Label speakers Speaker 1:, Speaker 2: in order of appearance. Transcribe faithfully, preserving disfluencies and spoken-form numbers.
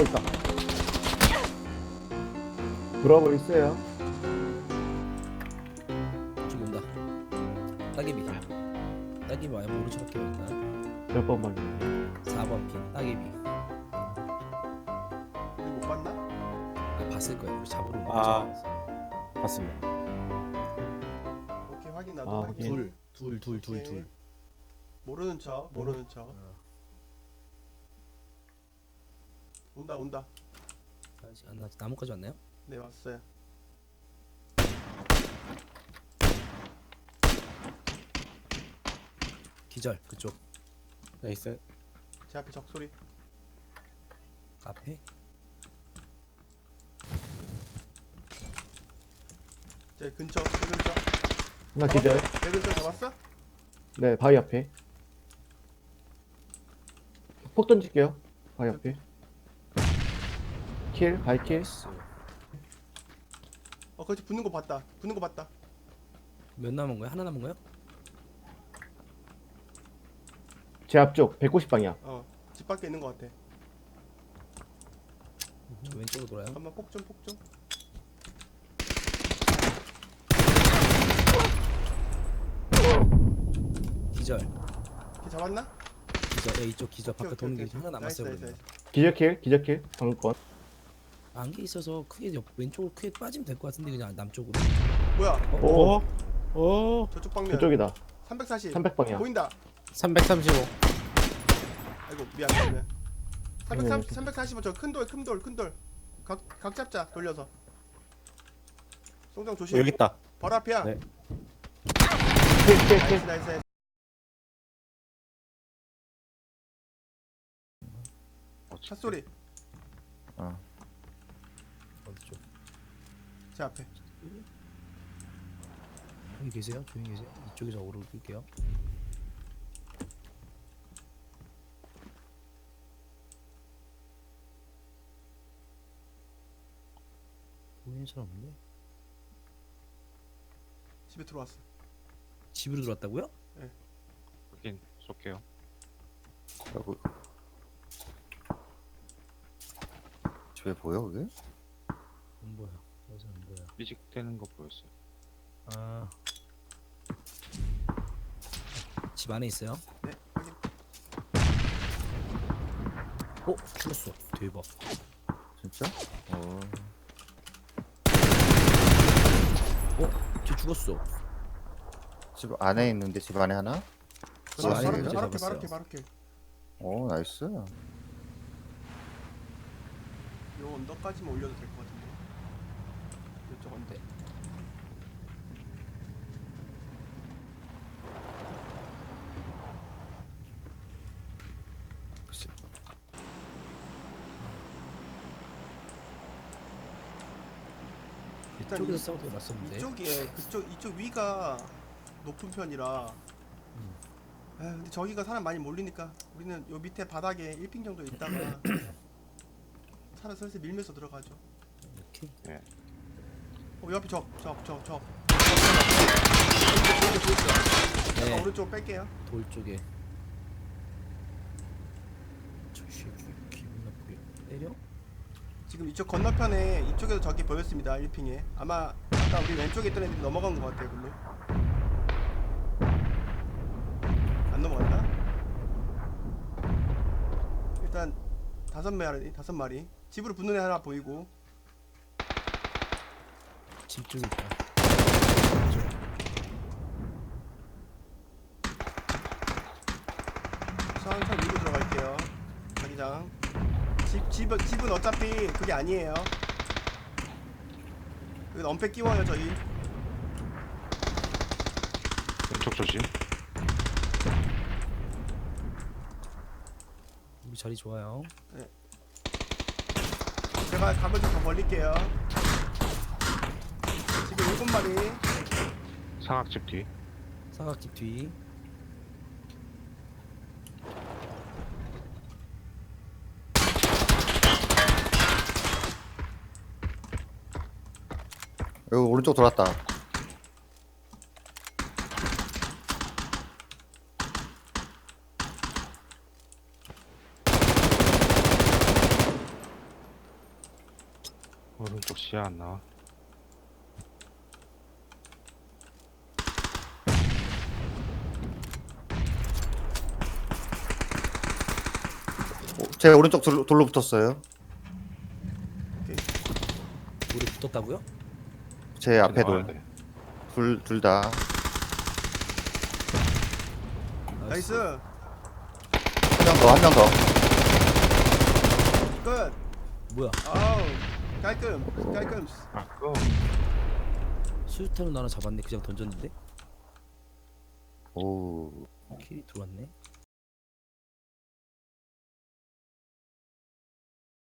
Speaker 1: 어 있다. 브라보 있어요.
Speaker 2: 죽는다. 따개비. 따개비 와요. 모른 척 할게요 일단.
Speaker 1: 몇 번만.
Speaker 2: 사 번 핀 따개비.
Speaker 3: 우리 못 봤나?
Speaker 2: 아 봤을 거예요. 우리 잡으러 온
Speaker 4: 아.
Speaker 2: 거죠.
Speaker 4: 맞습니다.
Speaker 3: 오케이 확인 나도
Speaker 1: 아,
Speaker 3: 확인.
Speaker 1: 확인.
Speaker 2: 둘, 둘, 둘, 둘,
Speaker 3: 오케이.
Speaker 2: 둘.
Speaker 3: 모르는 척 모르는 척.
Speaker 2: 어.
Speaker 3: 온다 온다.
Speaker 2: 아직 안 나지. 나무까지 왔나요?
Speaker 3: 네 왔어요.
Speaker 2: 기절 그쪽
Speaker 4: 나이스.
Speaker 3: 제 앞에 적소리.
Speaker 2: 앞에.
Speaker 3: 제 근처 제 근처.
Speaker 1: 하나 기절.
Speaker 3: 제 근처 잡았어?
Speaker 1: 네 바위 앞에. 폭 던질게요. 바위 앞에. 킬 바위 킬.
Speaker 2: 나이스.
Speaker 3: 어 거기 붙는 거 봤다. 붙는 거 봤다.
Speaker 2: 몇 남은 거야? 하나 남은 거야?
Speaker 1: 제 앞쪽 백구십 방향.
Speaker 3: 어집 밖에 있는 거 같아.
Speaker 2: 저 왼쪽으로 돌아요.
Speaker 3: 잠깐만 폭 좀 폭 좀.
Speaker 2: 기절.
Speaker 3: 걔 잡았나?
Speaker 2: 기절. 야, 이쪽 기절.
Speaker 3: 오케이,
Speaker 2: 바깥
Speaker 3: 오케이,
Speaker 2: 도는 게
Speaker 3: 오케이.
Speaker 2: 하나 남았어요.
Speaker 3: 나이스,
Speaker 2: 그러면.
Speaker 3: 나이스,
Speaker 1: 기절 킬 기절 킬 방금 건.
Speaker 2: 안개 있어서 크게 옆 왼쪽으로 크게 빠지면 될 것 같은데 그냥 남쪽으로.
Speaker 3: 뭐야?
Speaker 1: 오
Speaker 4: 오.
Speaker 3: 저쪽 방면.
Speaker 1: 저쪽이다.
Speaker 3: 삼백사십.
Speaker 1: 삼백 방향.
Speaker 3: 보인다.
Speaker 4: 삼백삼십오.
Speaker 3: 아이고 미안 미안. 미안. 삼백삼십
Speaker 1: 네.
Speaker 3: 삼백사십오 저 큰 돌 큰 돌 큰 돌. 각 각 잡자 돌려서. 송정 조심.
Speaker 4: 여기 있다.
Speaker 3: 바로 앞이야.
Speaker 4: 네.
Speaker 1: 킬킬
Speaker 3: 나이스
Speaker 1: 킬.
Speaker 3: 나이스. 나이스. 샷 소리.
Speaker 4: 어.
Speaker 2: 어디 쪽?
Speaker 3: 제 앞에.
Speaker 2: 여기 계세요? 조용히 계세요. 이쪽에서 오르고 끌게요. 보이는 사람 없네.
Speaker 3: 집에 들어왔어.
Speaker 2: 집으로 들어왔다고요?
Speaker 5: 여긴 쏠게요.
Speaker 4: 여기. 집에 보여 그게?
Speaker 2: 안 보여. 여기서 안 보여.
Speaker 5: 삐직대는 거 보였어요.
Speaker 2: 아. 집 안에 있어요?
Speaker 3: 네 확인.
Speaker 2: 어? 죽었어. 대박.
Speaker 4: 진짜? 어.
Speaker 2: 쟤 죽었어.
Speaker 4: 집 안에 있는데 집 안에 하나?
Speaker 2: 집
Speaker 3: 바로
Speaker 2: 안에
Speaker 3: 바로
Speaker 2: 문제
Speaker 3: 바로 앞에
Speaker 2: 잡았어요.
Speaker 3: 바로 앞에 바로 앞에.
Speaker 4: 오 나이스.
Speaker 3: 요 언덕까지만 올려도 될 것 같은데. 이쪽 언덕.
Speaker 4: 글쎄.
Speaker 3: 일단
Speaker 2: 이쪽에서
Speaker 3: 이-
Speaker 2: 싸우고 났었는데.
Speaker 3: 이쪽에 그쪽 이쪽 위가 높은 편이라.
Speaker 2: 음.
Speaker 3: 아 근데 저기가 사람 많이 몰리니까 우리는 요 밑에 바닥에 일 핑 정도 있다가 차를 슬슬 밀면서 들어가죠.
Speaker 2: 이렇게.
Speaker 3: 어 옆에 적적적 적.
Speaker 2: 네.
Speaker 3: 오른쪽 뺄게요.
Speaker 2: 돌 쪽에. 저 새끼 기분 나쁘게 때려?
Speaker 3: 지금 이쪽 건너편에 이쪽에도 적이 보였습니다. 일 핑에 아마 아까 우리 왼쪽에 있던 애들이 넘어간 것 같아요. 글로 안 넘어갔나? 일단 다섯 마리 다섯 마리 집으로 붙는 애 하나 보이고.
Speaker 2: 집 쪽에 있다.
Speaker 3: 천천히 위로 들어갈게요. 자기장. 집, 집, 집은 어차피 그게 아니에요. 여기 엄폐 끼워요 저희.
Speaker 5: 왼쪽 조심.
Speaker 2: 우리 자리 좋아요.
Speaker 3: 제가 각을 좀 더 벌릴게요. 집에 일곱 마리.
Speaker 5: 사각집 뒤.
Speaker 2: 사각집 뒤.
Speaker 4: 여기 오른쪽 돌았다.
Speaker 5: 시야 안 나와.
Speaker 4: 어, 제 오른쪽 돌로, 돌로 붙었어요.
Speaker 2: 우리 붙었다고요?
Speaker 4: 제 앞에
Speaker 5: 나와야
Speaker 4: 돌.
Speaker 5: 돼.
Speaker 4: 둘, 둘 다.
Speaker 3: 나이스.
Speaker 4: 한 명 더, 한 명 더.
Speaker 3: 끝.
Speaker 2: 뭐야?
Speaker 3: 아우 깔끔 깔끔.
Speaker 5: 아, 그거
Speaker 2: 수류탄으로 나는 잡았네. 그냥 던졌는데
Speaker 4: 오.
Speaker 2: 킬이 들어왔네.